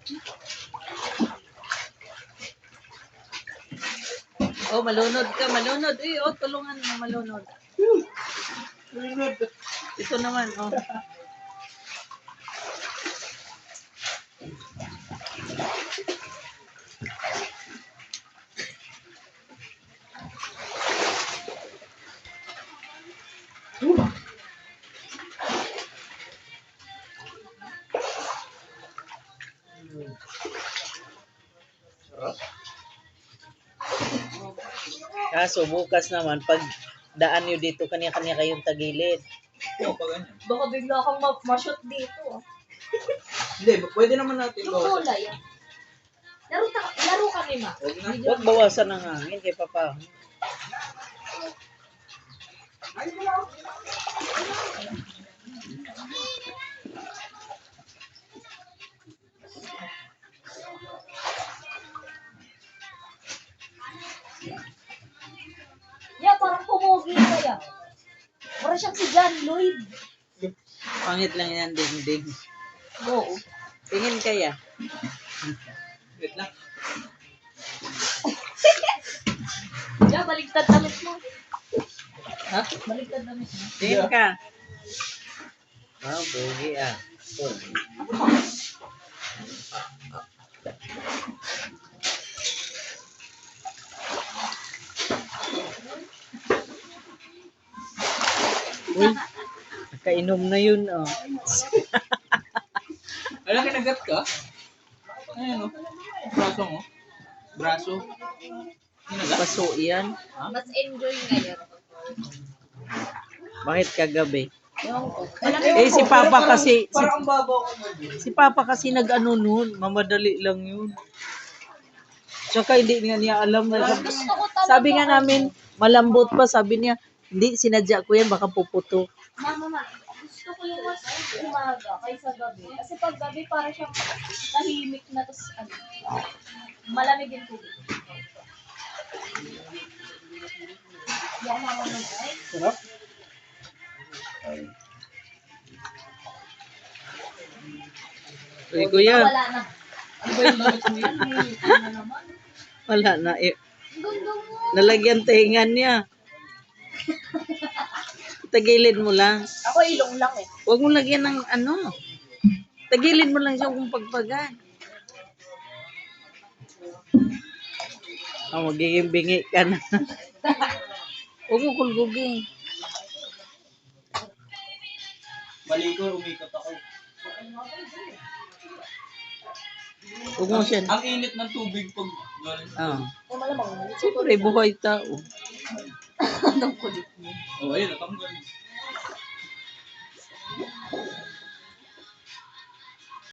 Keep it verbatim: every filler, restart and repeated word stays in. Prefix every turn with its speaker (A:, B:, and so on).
A: Oh, malunod ka, malunod. Eh, oh, tulungan mo malunod. Ito naman, oh. Kaso bukas naman, pag daan nyo dito, kanya-kanya kayong tagilid.
B: Oo, pag ganyan.
C: Baka bigla kang ma- ma-shoot dito. ah.
B: Hindi, pwede naman natin
C: Yung
B: bawasan.
C: kulay. ah. Laro, ta- laro kami, ma.
B: Huwag na.
A: Huwag bawasan ng hangin kay Papa.
C: Yeah, parang pumugi kaya. Parang siyang si John Lloyd.
A: Pangit lang yan, ding-ding.
C: Oo.
A: Tingin kaya.
B: Wait lang.
C: Yeah, baligtad damit mo.
A: Ha?
C: Baligtad damit mo.
A: Tingin ka. Ah, bugi ah. Uy, nakainom na yun, oh.
B: Alam, kinagat ka? Ayan o. Braso mo. Braso. Kinagat?
A: Paso yan.
C: Mas enjoy ngayon.
A: Bakit kagabi?
C: Yung,
A: Eh, si Papa kasi, si,
B: Parang ang babaw ko mo.
A: si Papa kasi nag-ano nun, mamadali lang yun. Tsaka hindi nga niya alam na sabi,
C: gusto ko talaga.
A: sabi nga namin, malambot pa, sabi niya, hindi, sinadya ko yan, baka puputo.
C: Mama, ma, gusto ko yung mas umaga kaysa gabi. Kasi pag gabi, parang siyang tahimik na, tapos ano, malamig yung tubig. Yan, mama mo ay.
B: Sarap.
A: Uy, kuya,
C: Wala na.
B: Ano ba yung damit mo yan?
C: Ano na naman?
A: wala na. Eh,
C: Ang ganda mo.
A: nalagyan tingan niya. Tagilid mo lang.
C: Ako ilong lang eh.
A: Huwag mo lagyan ng ano. Tagilid mo lang siya kung pagpagan. Oh, magiging bingi ka na. Huwag mo kulgugin.
B: Mali ko, umikot ako.
A: Huwag mo siya.
B: Ang init ng tubig pag galing.
A: Oh.
C: O malamang.
A: Siyempre, buhay tao.
C: Anong kulit mo?
B: Oh, ayun, natanggal.